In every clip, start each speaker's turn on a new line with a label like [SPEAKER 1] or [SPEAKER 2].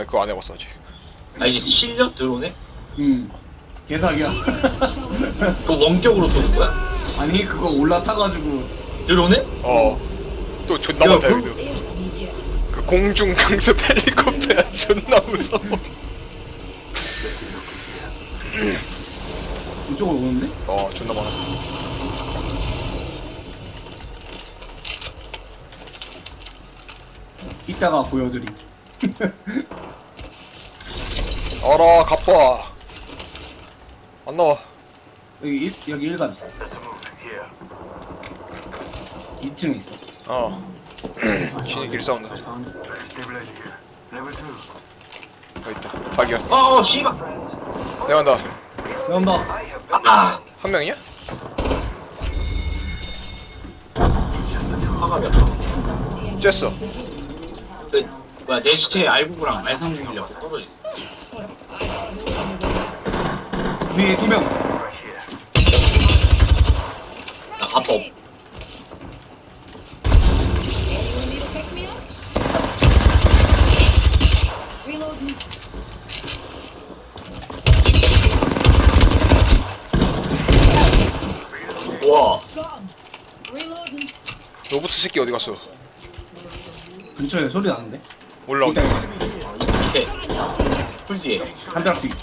[SPEAKER 1] 아니 그거 안 해봤어 아직.
[SPEAKER 2] 아 이제 실려 들어오네?
[SPEAKER 3] 개사기야.
[SPEAKER 2] 그 원격으로 쏘는 거야?
[SPEAKER 3] 아니 그거 올라타가지고
[SPEAKER 2] 들어오네?
[SPEAKER 1] 또 존나
[SPEAKER 2] 야,
[SPEAKER 1] 많다
[SPEAKER 2] 그-
[SPEAKER 1] 여기도. 그 공중 강습 헬리콥터야 존나 무서워.
[SPEAKER 3] 이쪽으로 오는데?
[SPEAKER 1] 존나 많아.
[SPEAKER 3] 이따가 보여드림.
[SPEAKER 1] 알아 가빠. 안 나와.
[SPEAKER 3] 여기 1감 있어. 2층에 있어.
[SPEAKER 1] 신이 길 싸운다. 여기 있다. 발견.
[SPEAKER 2] 씨발.
[SPEAKER 1] 내가 간다.
[SPEAKER 3] 나온다.
[SPEAKER 2] 아
[SPEAKER 1] 한 명이야?
[SPEAKER 2] 화가 몇 번.
[SPEAKER 1] 쬐어.
[SPEAKER 2] 뭐야 내 시체에 R99랑 R391이라고 떨어져 있어.
[SPEAKER 3] 위에 2명.
[SPEAKER 2] 나 갑바 없. 와
[SPEAKER 1] 로봇 새끼 어디 갔어?
[SPEAKER 3] 근처에 소리 나는데?
[SPEAKER 1] 올라온다.
[SPEAKER 2] 밑에 풀 뒤에.
[SPEAKER 3] 한장 뒤.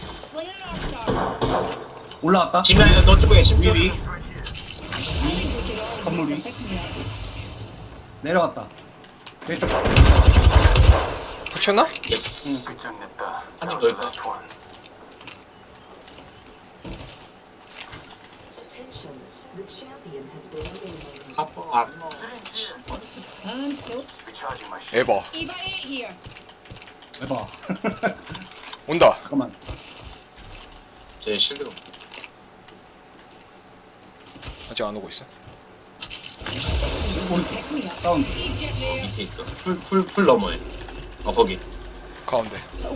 [SPEAKER 3] 올라왔다.
[SPEAKER 2] 지민아 너 쪽에 심수.
[SPEAKER 3] 위. 건물 위. 내려갔다. 왼쪽.
[SPEAKER 1] 붙였나?
[SPEAKER 2] 예스. 한입 더 있다. 아빠.
[SPEAKER 1] 에바.
[SPEAKER 3] 해봐.
[SPEAKER 1] 온다.
[SPEAKER 3] 잠깐만.
[SPEAKER 2] 제 실드.
[SPEAKER 1] 아직 안 오고 있어.
[SPEAKER 3] 오른쪽. 다운.
[SPEAKER 2] 밑에 있어. 풀 너머에. 거기.
[SPEAKER 1] 가운데.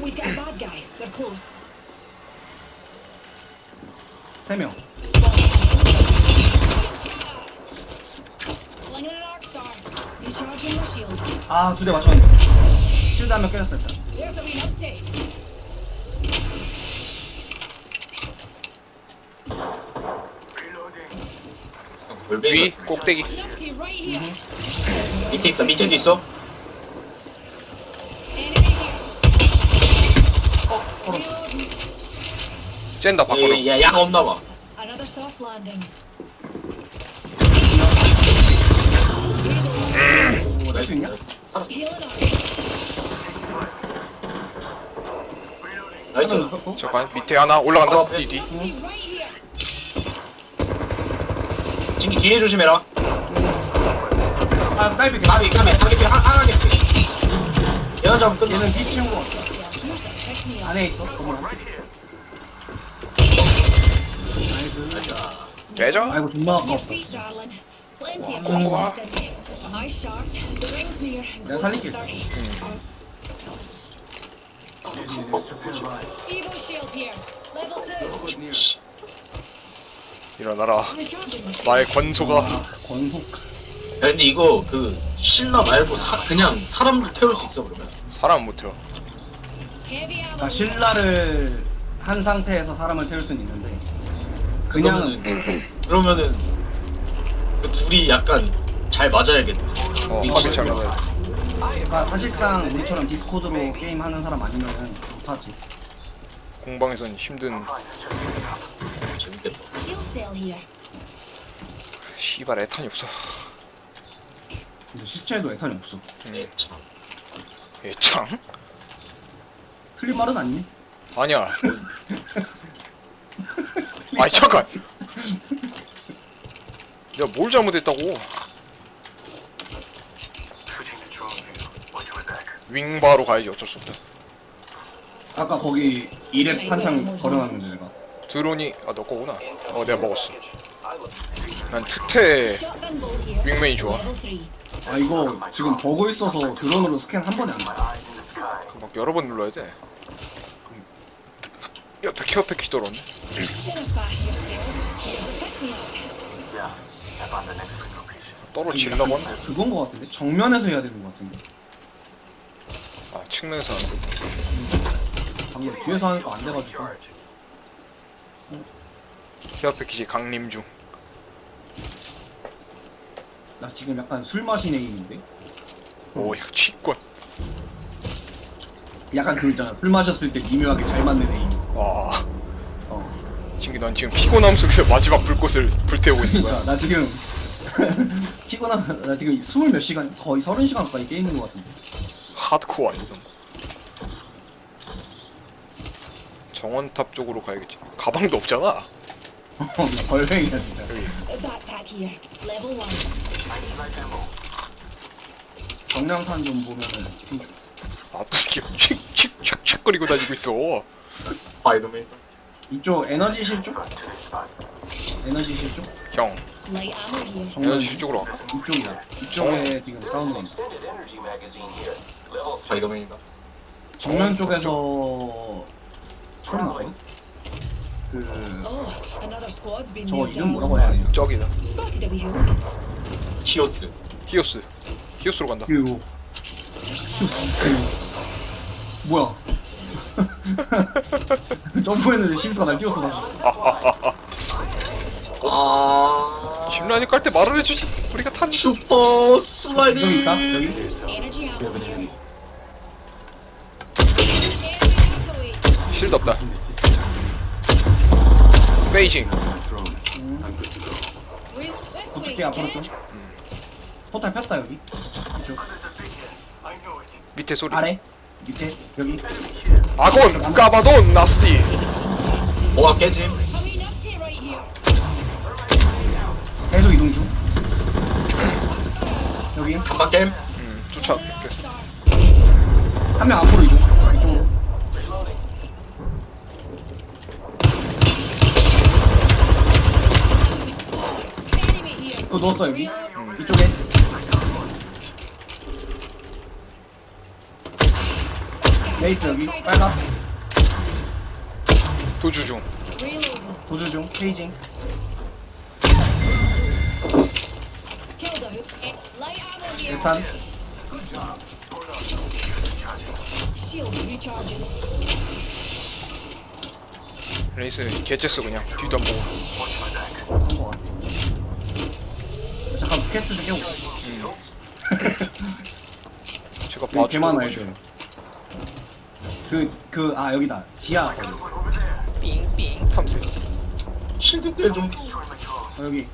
[SPEAKER 3] 3명. 아, 2대 맞췄는데. 실드 한 명 깨졌어, 일단.
[SPEAKER 1] 위 꼭대기.
[SPEAKER 2] 밑에 있다. 밑에도 있어.
[SPEAKER 1] 쨘다 밖으로.
[SPEAKER 2] 야 야가 없나 봐.
[SPEAKER 3] 오, 낼수 있냐?
[SPEAKER 2] 나이스.
[SPEAKER 1] 잠깐 밑에 하나 올라간다. 뒤.
[SPEAKER 2] 진기 뒤에 조심해라.
[SPEAKER 3] 아, 딸비 개.
[SPEAKER 2] 가비 하나 개피. 얘가 잡으면 끝나.
[SPEAKER 3] 얘는 뒤 치운 거 같아. 안에 있어? 건물 안에. 나이스.
[SPEAKER 1] 깨져.
[SPEAKER 3] 아이고, 존나 아까웠어.
[SPEAKER 1] 공고가.
[SPEAKER 3] 내가 살릴게.
[SPEAKER 1] 일어나라. 나의 권소가.
[SPEAKER 3] 권속.
[SPEAKER 2] 야, 근데 이거 그 신라 말고 그냥 사람도 태울 수 있어 그러면?
[SPEAKER 1] 사람 못 태워.
[SPEAKER 3] 그러니까 신라를 한 상태에서 사람을 태울 수는 있는데 그냥
[SPEAKER 2] 그러면은 그 둘이 약간 잘 맞아야겠다.
[SPEAKER 1] 합이 잘 맞아야 돼.
[SPEAKER 3] 그러니까 사실상 우리처럼 디스코드로 게임하는 사람 아니면은 못하지.
[SPEAKER 1] 공방에선 힘든.
[SPEAKER 2] 재밌겠다.
[SPEAKER 1] 씨발 애탄이 없어.
[SPEAKER 3] 근데 실제에도 애탄이 없어.
[SPEAKER 2] 네, 참.
[SPEAKER 1] 애창?
[SPEAKER 3] 틀린 말은 아니니?
[SPEAKER 1] 아니야. 아니 잠깐. 내가 뭘 잘못했다고? 윙바로 가야지 어쩔 수 없다.
[SPEAKER 3] 아까 거기 2렙 한창 걸어놨는데 내가.
[SPEAKER 1] 드론이 너 거구나. 내가 먹었어. 난 특태 윙맨이 좋아.
[SPEAKER 3] 아 이거 지금 버그 있어서 드론으로 스캔 한 번에 안 돼.
[SPEAKER 1] 그 막 여러 번 눌러야 돼. 옆에 케어패 키 떨었네. 떨어지려고 하네.
[SPEAKER 3] 그건 거 같은데? 정면에서 해야 되는 거 같은데?
[SPEAKER 1] 측면에서 안 되고.
[SPEAKER 3] 방금 뒤에서 하니까 안 돼가지고.
[SPEAKER 1] 케어 패키지 강림 중.
[SPEAKER 3] 나 지금 약간 술 마신 에임인데?
[SPEAKER 1] 오야 취권.
[SPEAKER 3] 약간 그 있잖아. 술 마셨을 때 미묘하게 잘 맞는 에임.
[SPEAKER 1] 와.
[SPEAKER 3] 어.
[SPEAKER 1] 넌 지금 피곤함 속에서 마지막 불꽃을 불태우고 있는 거야.
[SPEAKER 3] 그러니까 나 지금 피곤한 나 지금 20몇 시간 거의 30시간 가까이 게임인 것 같은데.
[SPEAKER 1] 하드코어 아니던. 정원탑 쪽으로 가야겠지. 가방도 없잖아.
[SPEAKER 3] 벌행이야 진짜.
[SPEAKER 1] 여기.
[SPEAKER 4] A backpack here. Level 1.
[SPEAKER 3] 정량산 좀 보면은
[SPEAKER 1] 아또 이렇게 칙칙칙칙거리고 다니고 있어.
[SPEAKER 2] 스파이더맨.
[SPEAKER 3] 이쪽 에너지실 쪽? 에너지실 쪽?
[SPEAKER 1] 형,
[SPEAKER 4] Light ammo here.
[SPEAKER 3] 정면
[SPEAKER 1] 에너지 쪽으로 와.
[SPEAKER 3] 이쪽이야. 이쪽에 지금 사운드 있어.
[SPEAKER 2] 스파이더맨이다.
[SPEAKER 3] 정면 쪽에서 소리 나거든? 그
[SPEAKER 4] Oh, another squad's been
[SPEAKER 3] 저거
[SPEAKER 4] nailed
[SPEAKER 3] 이름
[SPEAKER 4] down.
[SPEAKER 3] 뭐라고 해야 되냐?
[SPEAKER 1] 저기다.
[SPEAKER 4] Spotted a wee hooligan.
[SPEAKER 2] 키오스.
[SPEAKER 1] 히오스. 히오스로 간다.
[SPEAKER 3] 그리고 뭐야? 점프했는데 실수가 날 띄웠어 다시.
[SPEAKER 2] 아.
[SPEAKER 1] 심란이 깔 때 말을 해주지. 우리가 탄.
[SPEAKER 2] 슈퍼 슬라이딩.
[SPEAKER 3] 여기 있다? 여기?
[SPEAKER 4] Energy ammo here. Enemy artillery.
[SPEAKER 1] 실드 없다. 베이징.
[SPEAKER 4] Real this way.
[SPEAKER 3] 어떻게 앞으로 좀? 포탈 폈다 여기. 이쪽.
[SPEAKER 1] 밑에 소리.
[SPEAKER 3] 아래? 밑에? 여기?
[SPEAKER 1] 아곤 까바돈 나스티.
[SPEAKER 2] 뭐가 깨짐?
[SPEAKER 4] Coming up to right here.
[SPEAKER 3] 계속 이동 중. 여기
[SPEAKER 2] 한방 게임.
[SPEAKER 1] 쫓아.
[SPEAKER 3] 한 명 앞으로 이동. 이쪽으로.
[SPEAKER 4] Enemy here.
[SPEAKER 3] 그거 넣었어 여기. 이쪽에. 레이스 여기. 빨간.
[SPEAKER 1] 도주 중.
[SPEAKER 4] Reloading.
[SPEAKER 3] 도주 중. 페이징.
[SPEAKER 4] Killed a hook. Light ammo here.
[SPEAKER 3] 일단
[SPEAKER 4] Shield recharging.
[SPEAKER 1] 레이스 개째어 그냥 뒤도 안 보고.
[SPEAKER 3] 한거 같아. 잠깐 퀘스트 좀 깨고.
[SPEAKER 1] 제가
[SPEAKER 3] 여기 개 많아
[SPEAKER 1] 봐주고.
[SPEAKER 3] 애들. 아 여기다. 지하.
[SPEAKER 1] 삥삥 탐색.
[SPEAKER 2] 실드 때 좀.
[SPEAKER 3] 여기.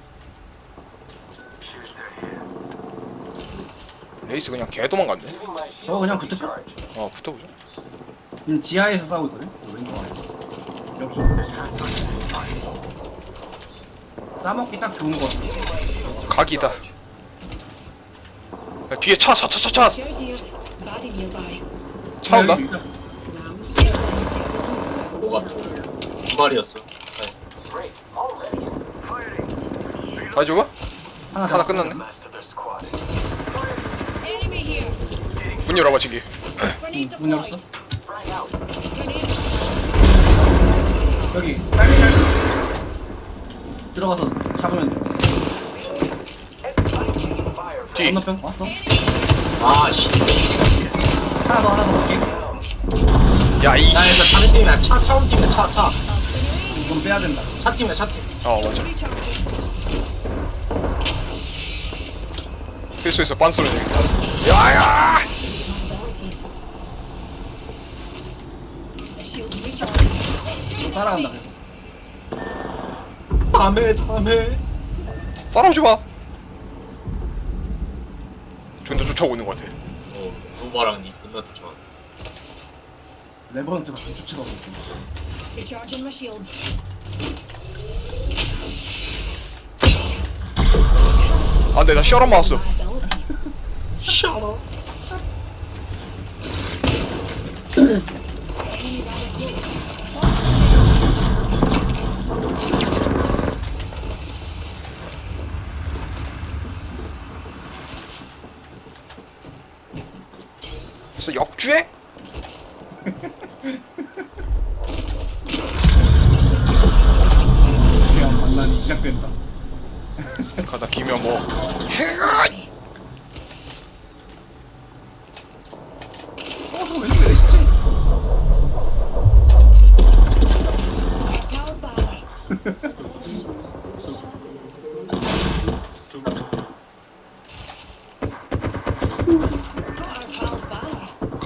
[SPEAKER 1] 레이스 그냥 개 도망갔네.
[SPEAKER 3] 저거 그냥 붙을까?
[SPEAKER 1] 붙어보자.
[SPEAKER 3] 지금 지하에서 싸우고 있거든. 왼쪽 아래. 여기. 싸먹기 딱 좋은 거 같아.
[SPEAKER 1] 각이다. 야, 뒤에 차.
[SPEAKER 4] Share deers. Body nearby.
[SPEAKER 1] 차 온다.
[SPEAKER 3] 여기 있다.
[SPEAKER 2] 뭐가 두 마리였어.
[SPEAKER 1] 다 줘봐.
[SPEAKER 3] 하나
[SPEAKER 1] 하나
[SPEAKER 3] 더.
[SPEAKER 1] 끝났네.
[SPEAKER 4] Enemy here.
[SPEAKER 1] 문 열어봐 지기.
[SPEAKER 4] Grenade
[SPEAKER 3] 문 열었어?
[SPEAKER 4] deployed. Grenade.
[SPEAKER 3] 여기. 빨리. 들어가서 잡으면 돼.
[SPEAKER 1] 뒤.
[SPEAKER 3] 건너편 왔어?
[SPEAKER 2] 아 씨.
[SPEAKER 3] 하나 더 볼게.
[SPEAKER 1] 야 이.
[SPEAKER 2] 야 일단 다른 팀이야. 차 움직이네. 차.
[SPEAKER 3] 이건 빼야 된다.
[SPEAKER 2] 차 팀이야. 차 팀.
[SPEAKER 1] 맞아.
[SPEAKER 4] Recharging.
[SPEAKER 1] 필수에서 빤소리 내겠다. 야야.
[SPEAKER 4] Abilities. The shield recharging.
[SPEAKER 3] 또 따라간다. 그래서.
[SPEAKER 2] 다음에.
[SPEAKER 1] 따라오지 마. 존나 쫓아오고 있는 것 같아.
[SPEAKER 2] 노바랑 니 존나 좋죠.
[SPEAKER 3] 레버넌트가 좀 쫓아가고 있어.
[SPEAKER 4] Recharging my shields.
[SPEAKER 1] 안돼 나 시어람 맞았어.
[SPEAKER 4] My abilities.
[SPEAKER 2] 샤워.
[SPEAKER 4] Enemy rather close.
[SPEAKER 1] 그래서 역주행?
[SPEAKER 3] 그냥 장난이 시작된다.
[SPEAKER 1] 가다 기면 뭐.
[SPEAKER 3] 저 왼쪽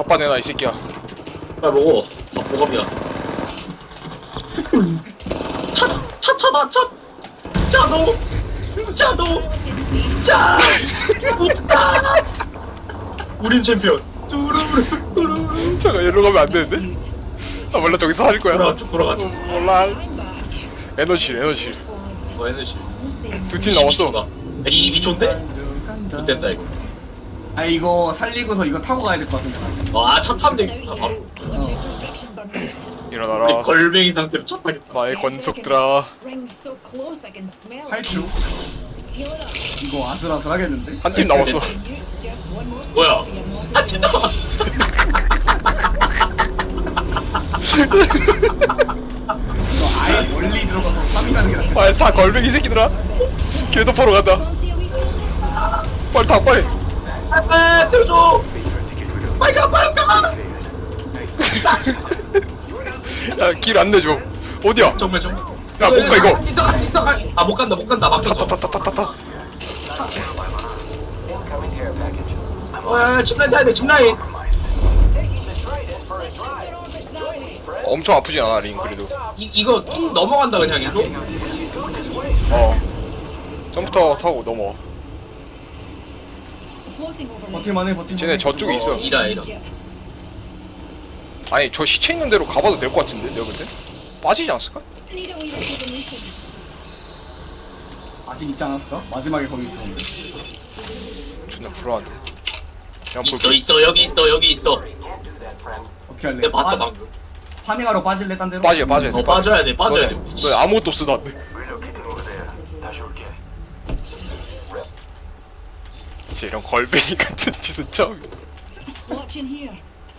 [SPEAKER 1] 덮밥 내놔 이 새끼야.
[SPEAKER 2] 빨리 먹어. 아, 보갑이야. 차다, 짜도! 짜! 우스타! 우린 챔피언. 뚜루루루루.
[SPEAKER 1] 잠깐 여기로 가면 안 되는데? 아 몰라 저기서 할 거야.
[SPEAKER 2] 쭉 돌아가.
[SPEAKER 1] 몰라. 에너지.
[SPEAKER 4] Squads.
[SPEAKER 2] 에너지.
[SPEAKER 4] Once they
[SPEAKER 1] 두 팀 남았어.
[SPEAKER 2] 22초인데? 못됐다, 이거.
[SPEAKER 3] 아 이거 살리고서 이거 타고 가야 될 것 같은데.
[SPEAKER 2] 아, 차 타면
[SPEAKER 4] out
[SPEAKER 2] 되겠다,
[SPEAKER 4] here,
[SPEAKER 2] 바로.
[SPEAKER 4] launching production burn rate.
[SPEAKER 2] 우리
[SPEAKER 1] 일어나라.
[SPEAKER 2] 걸뱅이 상태로 차 타겠다.
[SPEAKER 1] 나의 권속들아.
[SPEAKER 4] Rings so close I can smell it.
[SPEAKER 3] 8kg.
[SPEAKER 4] Heal it up.
[SPEAKER 3] 이거 아슬아슬하겠는데?
[SPEAKER 1] 한 팀 남았어.
[SPEAKER 4] It's just one more
[SPEAKER 2] 뭐야?
[SPEAKER 4] squad for your naughty
[SPEAKER 2] 아, 진짜
[SPEAKER 4] girl.
[SPEAKER 3] 이거 아예 멀리 들어가서 3위 가는 게 낫겠다.
[SPEAKER 1] 빨리 타 걸뱅이 새끼들아. 걔도 보러 간다.
[SPEAKER 4] Fancy a wee stroll this way?
[SPEAKER 1] 빨리 타 빨리.
[SPEAKER 2] 아, 태워줘! 빨리 가!
[SPEAKER 1] 야 길 안 내줘. 어디야?
[SPEAKER 2] 정말.
[SPEAKER 1] 야, 못 가, 이거.
[SPEAKER 2] 아, 못 간다. 막혔어.
[SPEAKER 1] 타타타타타타.
[SPEAKER 2] 짚라인 타야 돼, 짚라인.
[SPEAKER 1] 엄청 아프지 않아 링 그래도.
[SPEAKER 2] 이거 쭉 넘어간다, 그냥 일로.
[SPEAKER 1] 점프터 타고 넘어.
[SPEAKER 4] Floating over me.
[SPEAKER 3] 버틸만해 버틸만해.
[SPEAKER 1] 쟤네 저쪽에 있어.
[SPEAKER 2] 이라.
[SPEAKER 1] 아니 저 시체 있는 대로 가봐도 될 것 같은데 내가 볼 때? 빠지지 않았을까?
[SPEAKER 4] Need a wee rejuvenation.
[SPEAKER 3] 아직 있지 않았을까? 마지막에 거기 있었는데.
[SPEAKER 1] 존나 불안한데. 그냥
[SPEAKER 2] 있어, 여기 있어.
[SPEAKER 3] 어떻게 할래?
[SPEAKER 2] 내가 봤어, 방금.
[SPEAKER 3] 파밍하러 빠질래 딴 데로?
[SPEAKER 1] 빠져야 돼.
[SPEAKER 2] 빠져야 돼.
[SPEAKER 1] 너 아무것도 없어도 안 돼. 진짜 이런 걸뱅이 같은 짓은 처음.
[SPEAKER 4] Watch in here.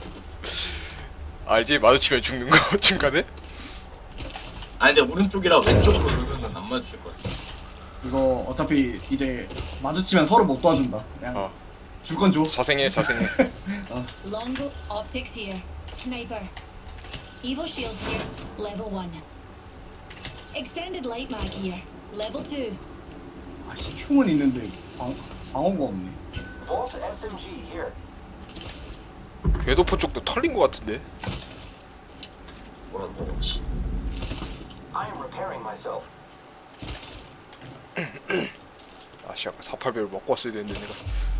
[SPEAKER 1] 알지? 마주치면 죽는 거 중간에?
[SPEAKER 2] 아니, 근데 오른쪽이라 왼쪽으로 돌면은 안 맞을 거야.
[SPEAKER 3] 이거 어차피 이제 마주치면 서로 못 도와준다. 그냥
[SPEAKER 1] 어.
[SPEAKER 3] 줄 건 줘.
[SPEAKER 1] 자생해.
[SPEAKER 4] Longbow optics here. Sniper. Evo shields here. Level 1. Extended light mag here. Level 2.
[SPEAKER 3] 아씨 흉은 있는데 방어가 없네.
[SPEAKER 1] 궤도포 쪽도 털린 거 같은데?
[SPEAKER 2] 뭐라고. 씨.
[SPEAKER 1] 아씨 아까 480을 먹고 왔어야 되는데 내가.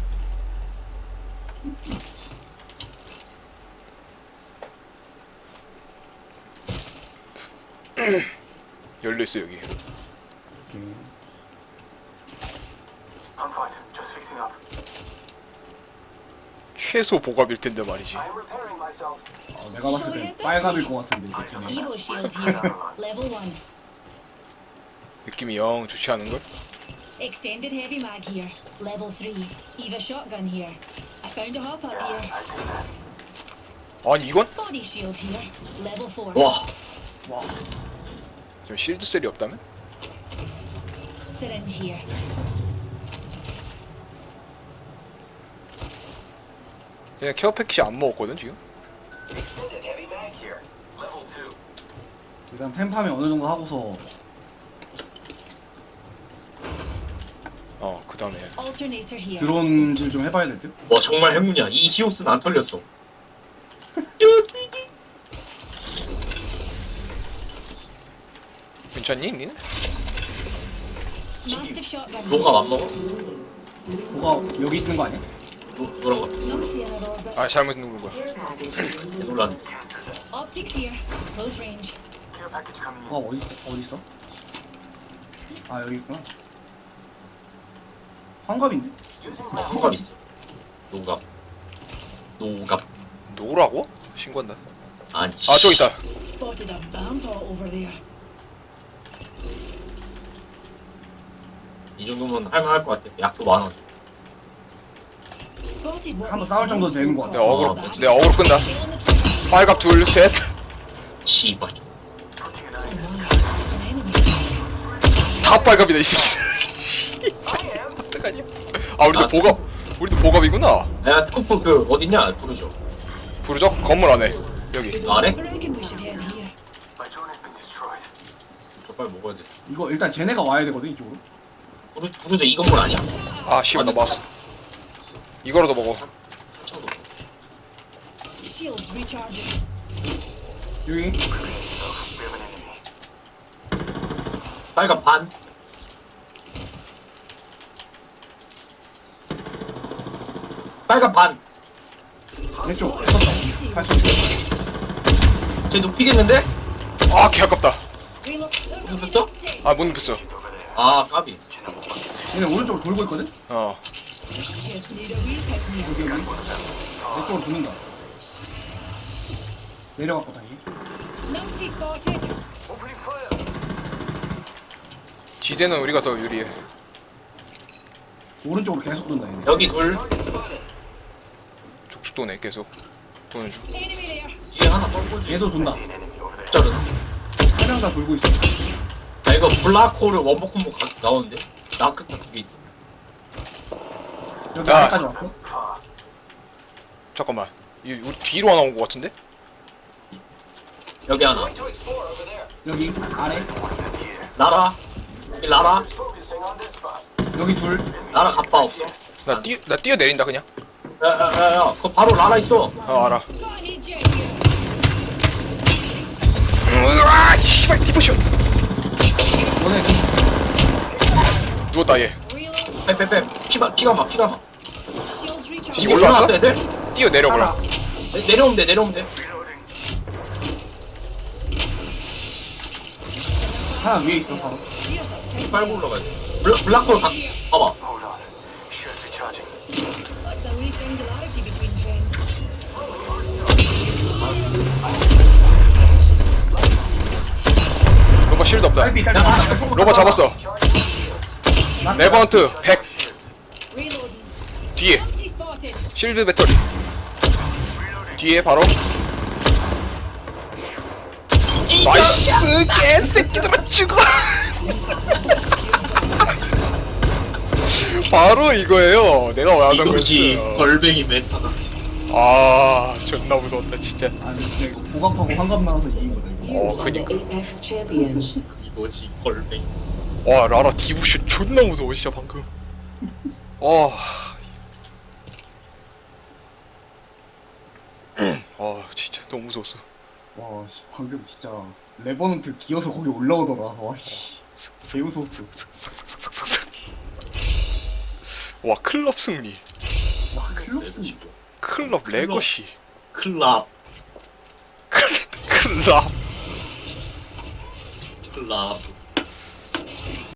[SPEAKER 1] 열려있어 여기. 최소 보갑일 텐데 말이지.
[SPEAKER 3] 내가 봤을 땐 빨갑일 것 같은데. 그치?
[SPEAKER 4] Evo shield here. Level 1.
[SPEAKER 1] 느낌이 영 좋지 않은걸?
[SPEAKER 4] Extended heavy mag here. Level 3. Eva shotgun here. I found a hop up here.
[SPEAKER 1] 아니 이건?
[SPEAKER 4] Body shield here. Level 4.
[SPEAKER 2] 와,
[SPEAKER 3] 와.
[SPEAKER 1] 좀 실드 셀이 없다면?
[SPEAKER 4] Syringe here.
[SPEAKER 1] 그냥 케어 패키지 안 먹었거든 지금?
[SPEAKER 3] 일단 템파밍 어느 정도 하고서
[SPEAKER 1] 그 다음에
[SPEAKER 4] Alternator here.
[SPEAKER 3] 드론질 좀 해봐야 될 듯?
[SPEAKER 2] 와 정말 행운이야. 이 히오스는 안 털렸어.
[SPEAKER 1] 괜찮니 니는?
[SPEAKER 4] Mastiff shotgun.
[SPEAKER 2] 너가 안 먹어?
[SPEAKER 3] 뭐가 여기 있는 거 아니야?
[SPEAKER 2] 노란 거.
[SPEAKER 4] Numpty in an orbit.
[SPEAKER 1] 아 잘못 누른 거야.
[SPEAKER 2] 놀란.
[SPEAKER 4] Optics here. Close range.
[SPEAKER 3] 뭐가 어디 있어? 아 여기 있구나. 환갑인데?
[SPEAKER 2] 호갑 있어. 노갑.
[SPEAKER 1] 노라고? 신고한다.
[SPEAKER 2] 아니.
[SPEAKER 1] 아 저기 있다.
[SPEAKER 4] Spotted a vampire over there.
[SPEAKER 2] 이 정도면 할만할 것 같아. 약도 많아.
[SPEAKER 4] Spotted what
[SPEAKER 3] 한번
[SPEAKER 4] we
[SPEAKER 3] 싸울 정도 되는 것 같아.
[SPEAKER 1] 내가 어그로 끈다.
[SPEAKER 4] Stay on the trigger.
[SPEAKER 1] 빨갑 둘 셋.
[SPEAKER 2] 씨발.
[SPEAKER 4] An enemy.
[SPEAKER 1] 다 빨갑이다 이 새끼. 어떡하냐? 아 우리도 보갑이구나.
[SPEAKER 2] 야 스코프 그 어딨냐? 부르죠.
[SPEAKER 1] 부르적 건물 안에 여기.
[SPEAKER 2] 아래?
[SPEAKER 4] I reckon we should head here.
[SPEAKER 2] 저 빨리 먹어야 돼.
[SPEAKER 3] 이거 일단 쟤네가 와야 되거든 이쪽으로.
[SPEAKER 2] 부르죠. 이 건물 아니야?
[SPEAKER 1] 아 씨발 나 맞았어. 이거라도 먹어.
[SPEAKER 2] 차도.
[SPEAKER 4] shields recharging.
[SPEAKER 3] 여기
[SPEAKER 2] 빨간 반. 빨간 반.
[SPEAKER 3] 왼쪽 썼다 80.
[SPEAKER 2] 쟤 눕히겠는데?
[SPEAKER 1] 아, 개 아깝다.
[SPEAKER 4] Reload. There's
[SPEAKER 2] What's
[SPEAKER 4] only
[SPEAKER 2] up?
[SPEAKER 4] 70.
[SPEAKER 1] 아, 못 눕혔어.
[SPEAKER 2] 아 까비.
[SPEAKER 3] 얘네 오른쪽으로 돌고 있거든?
[SPEAKER 1] 어.
[SPEAKER 4] Just need a real pick me up.
[SPEAKER 3] 여기 왼쪽으로 도는다 내려갔고 다시
[SPEAKER 4] Numpty spotted.
[SPEAKER 1] 지대는 우리가 더 유리해.
[SPEAKER 3] 오른쪽으로 계속 돈다 얘네
[SPEAKER 2] 여기 둘.
[SPEAKER 1] 쭉쭉 도네, 계속. 도는 중.
[SPEAKER 4] Enemy there.
[SPEAKER 2] 뒤에 하나 떨고.
[SPEAKER 3] 얘도 돈다
[SPEAKER 2] 저는.
[SPEAKER 3] 3명 다 돌고 있어
[SPEAKER 2] 나 이거 블락홀을 원복 콤보 나오는데. 나크스타 2개 있어.
[SPEAKER 3] 여기
[SPEAKER 1] 야.
[SPEAKER 3] 안까지 왔어?
[SPEAKER 1] 잠깐만. 우리 뒤로 하나 온 것 같은데?
[SPEAKER 2] 여기 하나.
[SPEAKER 3] 여기 아래
[SPEAKER 2] 라라. 여기 라라.
[SPEAKER 3] 여기 둘
[SPEAKER 2] 라라 갑바 없어.
[SPEAKER 1] 나 뛰어내린다, 그냥.
[SPEAKER 2] 야야야야. 그거 바로 라라 있어.
[SPEAKER 1] 알아.
[SPEAKER 4] Got an eject here.
[SPEAKER 1] 으아, 씨발, 디포션.
[SPEAKER 3] 너네
[SPEAKER 1] 누웠다, 얘.
[SPEAKER 4] Reload.
[SPEAKER 2] 빼빼빼. 피가 막.
[SPEAKER 4] Shields recharging.
[SPEAKER 1] 지금 올라왔어?
[SPEAKER 2] 올라왔어, 애들?
[SPEAKER 1] 뛰어내려, 그럼.
[SPEAKER 2] 내려오면 돼.
[SPEAKER 3] 하나 위에 있어 바로
[SPEAKER 4] Here's a pick.
[SPEAKER 2] 빨고 올라가야 돼. 블락홀 봐봐.
[SPEAKER 4] What's a wee singularity between friends?
[SPEAKER 1] 로바 실드 없다.
[SPEAKER 3] 딸피 딸피
[SPEAKER 1] 로바 잡았어. 레버넌트 100.
[SPEAKER 4] Reloading.
[SPEAKER 1] 뒤에.
[SPEAKER 4] Numpty spotted.
[SPEAKER 1] 실드 배터리. 뒤에 바로. 나이스, 개새끼들아, 죽어. 바로 이거예요. 내가 원하던
[SPEAKER 2] 이거지.
[SPEAKER 1] 거였어.
[SPEAKER 2] 걸뱅이 메타다.
[SPEAKER 1] 아, 존나 무서웠다, 진짜.
[SPEAKER 3] 아니 진짜 이거 보갑하고 환갑 나와서 이긴 거다 이거
[SPEAKER 1] 어, 그니까.
[SPEAKER 5] Apex champions.
[SPEAKER 2] 이거지 걸뱅이.
[SPEAKER 1] 와, 라라 디부션 존나 무서워, 진짜 방금. 와. 진짜 너무 무서웠어.
[SPEAKER 3] 와 씨, 방금 진짜 레버넌트 기어서 거기 올라오더라 와씨 개 무서웠어
[SPEAKER 1] 와, 클럽 승리.
[SPEAKER 3] 와 클럽스
[SPEAKER 1] 클럽 레거시.
[SPEAKER 2] 클랍.
[SPEAKER 1] 클럽.
[SPEAKER 2] 클랍.